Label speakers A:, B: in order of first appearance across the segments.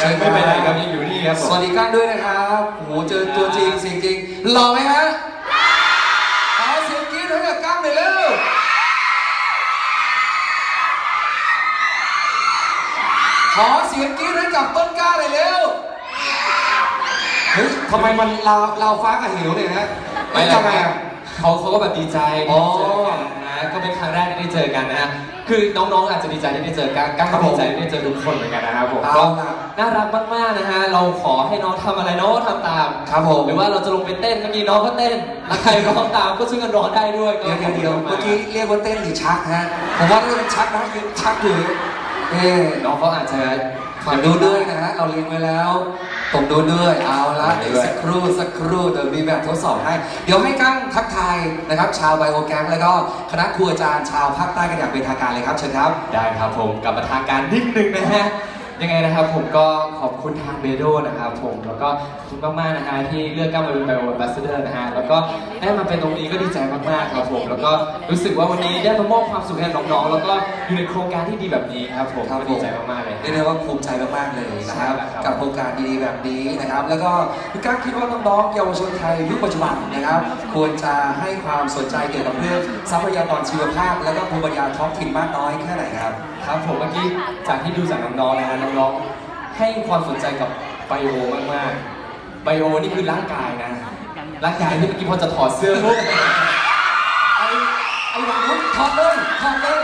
A: ไม่ไปไหนครับยังอยู่นี่ครับ
B: สวัสดีก้างด้วยนะครับโอ้โหเจอตัวจริงเสียงจริงหล่อไหมฮะขอเสียงกรี๊ดให้กับก้างหน่อยเร็วขอเสียงกรี๊ดให้กับต้นกล้าหน่อยเร็วเฮ้ยทำไมมันลาวฟ้ากับเหวเนี่ยฮะไม่ทำไมอ่ะ
A: เขาก็แบบดีใจที่เจอกันนะก็เป็นครั้งแรกที่ได้เจอกันนะฮะคือน้องๆอาจจะดีใจที่ได้เจอกันก้างก็ดีใจที่ได้เจอทุกคนเหมือนกันนะครับผมก็น่ารักมากๆนะฮะเราขอให้น้องทำอะไรน้องก็ทำตาม
B: ครับผม
A: หรือว่าเราจะลงไปเต้นเมื่อกี้น้องก็เต้นแล้วใครร้องตามก็ช่วยกันร้องได้ด้วย
B: เดี๋ยวเมื่อกี้เรียกว่าเต้นหรือชักฮะผมว่าน่าจะเป็นชักนะยืนชักอยู่
A: น้องเขาอาจจะ
B: ดูด้วยนะฮะเราเลี้ยงไว้แล้วผมดูด้วยเอาละเดี๋ยวสักครู่เดี๋ยวมีแบบทดสอบให้เดี๋ยวให้กั้งทักทายนะครับชาวไบโอแกงแล้วก็คณะครูอาจารย์ชาวภาคใต้กันอย่างเป็นทางการเลยครับเชิญครับ
A: ได้ครับผมกลับมาทางการนิดนึงนะฮะยังไงนะครับผมก็ขอบคุณทางเบโดนะครับผมแล้วก็ขอบคุณมากๆนะฮะที่เลือกก้าวมาเป็นไบโอแอมบาสเดอร์นะฮะแล้วก็ได้มาเป็นตรงนี้ก็ดีใจมากๆครับผมแล้วก็รู้สึกว่าวันนี้ได้มามอบความสุขให้น้องๆแล้วก็อยู่ในโครงการที่ดีแบบนี้ครับผมก็ดีใจมากๆเลย
B: เรียกได้ว่าภูมิใจมากๆเลยนะครับกับโครงการดีๆแบบนี้นะครับแล้วก็พี่ก้าวคิดว่าน้องๆเยาวชนไทยยุคปัจจุบันนะครับควรจะให้ความสนใจเกี่ยวกับเรื่องทรัพยากรชีวภาพและก็ภูมิปัญญาท้องถิ่นมากน้อยแค่ไหนครับ
A: ครับผมเมื่อกี้จากที่ดูจากน้องๆนะฮะน้องๆให้ความสนใจกับไบโอมากๆไบโอนี่คือร่างกายนะร่างกายที่เมื่อกี้พอจะถอดเสื้อปุ๊บ
B: ไอ้หนุ่มถอดเลยถอดนะ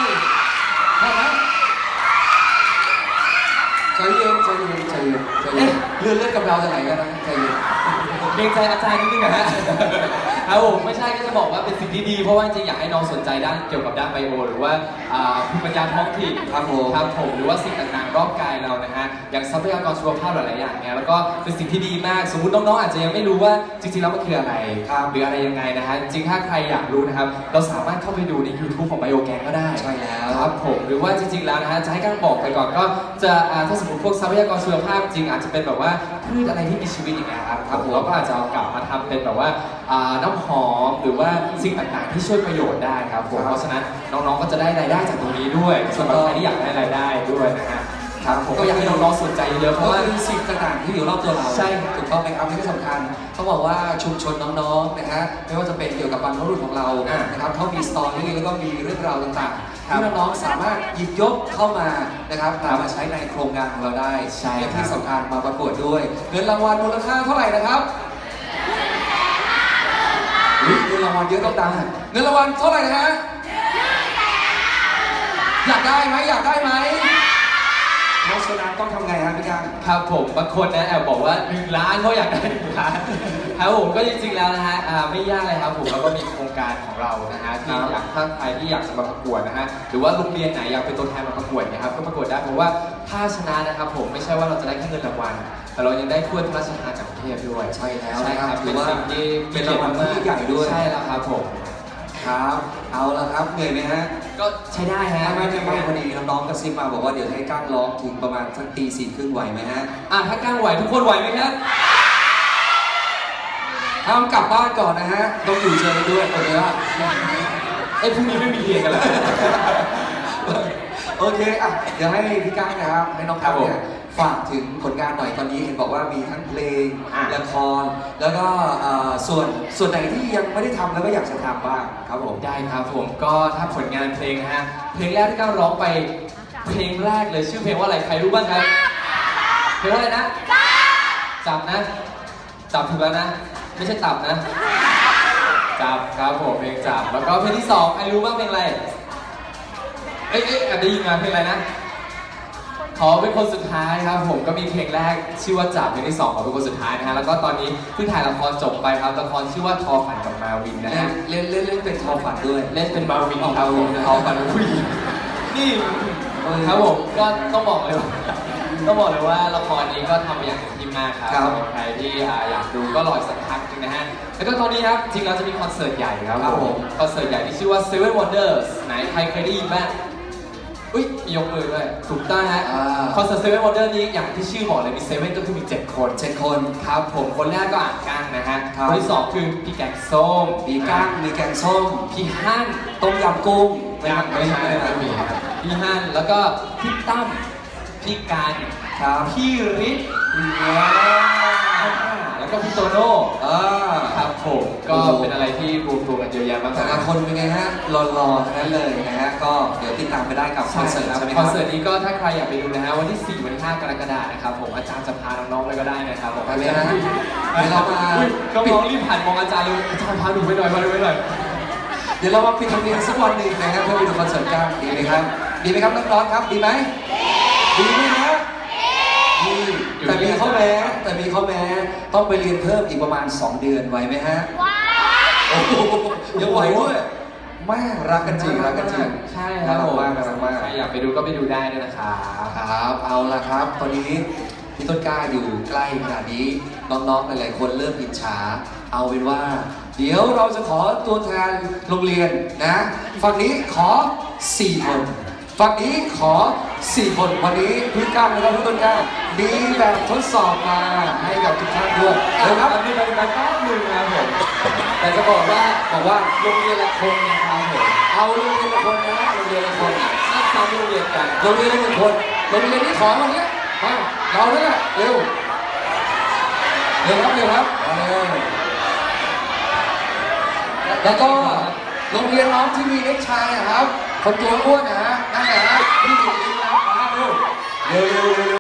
B: ใจเย็นเลื่อนกับเราจะไหนกันนะใจเย็น
A: เกรงใจอาจารย์นิดนึงนะฮะครับผมไม่ใช่ก็จะบอกว่าเป็นสิ่งที่ดีเพราะว่าจริงอยากให้น้องสนใจด้านเกี่ยวกับด้านไบโอหรือว่าภูมิปัญญาท้องถิ่นครับผมหรือว่าสิ่งต่างๆรอบกายเรานะฮะอย่างทรัพยากรชีวภาพหลายๆอย่างเนี่ยแล้วก็เป็นสิ่งที่ดีมากสมมติน้องๆอาจจะยังไม่รู้ว่าจริงๆแล้วมันคืออะไรหรืออะไรยังไงนะฮะจริงถ้าใครอยากรู้นะครับเราสามารถเข้าไปดูใน YouTube ของไบโอแกงก็ได้
B: ใช่แล้ว
A: ครับผมหรือว่าจริงๆแล้วนะฮะจะให้ก้างบอกไปก่อนก็จะถ้าสมมติพวกทรัพยากรชีวภาพจริงอาจจะเป็นแบบว่าพืชอะไรที่มีชีวิตอย่างเงี้ยครับเราก็อาจจะเอากลับมาทำเป็นแบบว่าน้ำหอมหรือว่าสิ่งต่างๆที่ช่วยประโยชน์ได้ครับผมเพราะฉะนั้นน้องๆก็จะได้รายได้จากตรงนี้ด้วยสำหรับใครที่อยากได้รายได้ด้วยนะฮะครับผมก็อยากให้น้องๆสนใจเยอะเพราะว่า
B: สิ่งต่างๆที่อยู่รอบตัวเรา
A: ใช่
B: ถูกต้องไหมครับที่สำคัญเขาบอกว่าชุมชนน้องๆนะฮะไม่ว่าจะเป็นเกี่ยวกับบรรพบุรุษของเรานะครับเขามีสตอรี่แล้วก็มีเรื่องราวต่างๆที่น้องๆสามารถหยิบยกเข้ามานะครับมาใช้ในโครงการของเราได้
A: ใช่
B: ที่สำคัญมาประกวดด้วยเงินรางวัลมูลค่าเท่าไหร่นะครับเงินรางวัลเยอะต้องดังเงินรางวัลเท่าไหร่นะฮะอยากได้ไหมน้องโซดาต้องทำไงฮะพี่กัง
A: ครับผมบางคนนะแอบบอกว่า1 ล้านเขาอยากได้1 ล้านครับผมก็จริงๆแล้วนะฮะไม่ยากเลยครับผมเราก็มีโครงการของเรานะฮะที่อยากถ้าใครที่อยากจะมาประกวดนะฮะหรือว่าโรงเรียนไหนอยากเป็นตัวแทนมาประกวดนะครับก็ประกวดได้เพราะว่าถ้าชนะนะครับผมไม่ใช่ว่าเราจะได้แค่เงินรางวัลแต่เรายังได้ถ้วยพระราชทานจากประเทศด้วย
B: ใช่แล้ว
A: ครับเป็นสิ่งที่
B: เป็นรางวัลที่ใหญ่ด้วย
A: ใช่แล้วครับผม
B: ครับเอาละครับเหนื่อยไหมฮะ
A: ก็ใช้ได้ฮะ
B: ไม่พอดีน้องๆกระซิบมาบอกว่าเดี๋ยวให้ก้างร้องถึงประมาณสักตี 4:30ไหวไหมฮะ
A: ถ้าก้างไหวทุกคนไหวไหมครับ
B: ห้ามกลับบ้านก่อนนะฮะต้องอยู่เชิญด้วยคนนี้ว่า
A: พรุ่งนี้ไม่มีเรียนกันแล้ว
B: โอเคเดี๋ยวให้พี่ก้างนะครับให้น้องก้างเนี่ยฝากถึงผลงานหน่อยตอนนี้เห็นบอกว่ามีทั้งเพลงละครแล้วก็ส่วนไหนที่ยังไม่ได้ทำแล้วก็อยากจะทำบ้างครับผม
A: ได้ครับผมก็ถ้าผลงานเพลงนะฮะเพลงแรกที่ก้าวร้องไปเพลงแรกเลยชื่อเพลงว่าอะไรใครรู้บ้างครับเพลงว่าอะไรนะจับนะจับถูกแล้วนะไม่ใช่ตับนะจับครับผมเพลงจับแล้วก็เพลงที่2ใครรู้บ้างเพลงอะไรแอบได้ยินมาเพลงอะไรนะขอเป็นคนสุดท้ายครับผมก็มีเพลงแรกชื่อว่าจับเพลงที่2ขอเป็นคนสุดท้ายนะฮะแล้วก็ตอนนี้เพิ่งถ่ายละครจบไปครับละครชื่อว่าทอฝันกับมาวินนะฮะ
B: เล่นเป็นทอฝันด้วย
A: เล่นเป็นมาวินครับผมทอฝันกับผู้หญิงนี่ครับผมก็ต้องบอกเลยว่าละครนี้ก็ทำมาอย่างเต็มที่มากครับใครที่อยากดูก็รอสักพักนึงนะฮะแล้วก็ตอนนี้ครับจริงเราจะมีคอนเสิร์ตใหญ่ครับผมคอนเสิร์ตใหญ่ที่ชื่อว่า Seven Wonders ไหนใครเคยได้ยินบ้างมียกมือด้วยถูกต้องฮะคอนเสิร์ต Seven Wonders นี้อย่างที่ชื่อบอกเลยมี7ก็คือมี7 คนครับผมคนแรกก็ก้างนะฮะคนที่2คือพี่แกงส้ม
B: พี่ก้างมีแกงส้ม
A: พี่ฮั่น
B: ต้มยำกุ้ง
A: ยังไม่ใช่พี่ฮั่นแล้วก็พี่ตั้มพี่การ
B: ครับ
A: พี่ฤทธิ์แล้วก็พี่โตโน่ ครับผมก็เป็นอะไรที่รวมตัวกันเยอะแยะมาก
B: แต่
A: มาย
B: ละคนเป็นไงฮะหล่อๆทั้งนั้นเลยนะฮะก็เดี๋ยวติดตามไปได้กับคอนเสิร์ตใช่ไหมค
A: ค
B: รั
A: อบ นเสิร์ตนี้ก็ถ้าใครอยากไปดูนะฮะวันที่ 4 วันที่ 5 กรกฎาคมนะครับผมอาจารย์จะพาน้องๆไปก็ได้นะครับผม
B: ไปเลยนะเดี๋ยวเรามา
A: น้องๆรีบผ่านมองอาจารย์เลยอาจารย์พาหนูไปหน่อยพาหนูไปหน่อย
B: เดี๋ยวเรามาปิดทำเนียมสักวันหนึ่งนะครับเพื่อไปดูคอนเสิร์ตกันดีไหมครับดีไหมครับน้องๆครับดีไหมดีไหมนะดีแต่มีข้อแม้ต้องไปเรียนเพิ่มอีกประมาณ 2 เดือนไหวไหมฮะโอ้โหยังไหวด้วยแม่รักกันจริง
A: ใช่ครับ
B: น่ารัก
A: ผม
B: มากน่ารักมาก
A: ใครอยากไปดูก็ไปดูได้ด้วยนะครับ
B: ครับเอาละครับตอนนี้พี่ต้นกล้าอยู่ใกล้ขนาดนี้น้องๆหลายๆคนเริ่มอิจฉาเอาเป็นว่า เดี๋ยวเราจะขอตัวแทนโรงเรียนนะฝั่งนี้ขอ 4 คนฝั่งนี้ขอ 4 คนวันนี้พี่ก้าวนะครับพี่ต้นกล้ามีแบบทดสอบมาให้กับทุกท่านด้วยนะครับ
A: มีบรรยากาศแป๊บนึงนะครับผมแต่จะบอกว่าโรงเรียนละคนนะครับผม
B: เอาโรงเรียนละคนนะโรงเรียนละคน
A: นักซ้อมโรงเรียนกัน
B: โรงเรียนละ1 คนโรงเรียนที่ขอวันนี้มาเราเนี่ยแหละเร็วครับแล้วก็โรงเรียนน้องที่มีเด็กชายนะครับคนตัวอ้วนนะฮะนั่นแหละฮะพี่หญิงนะครับมาเร็ว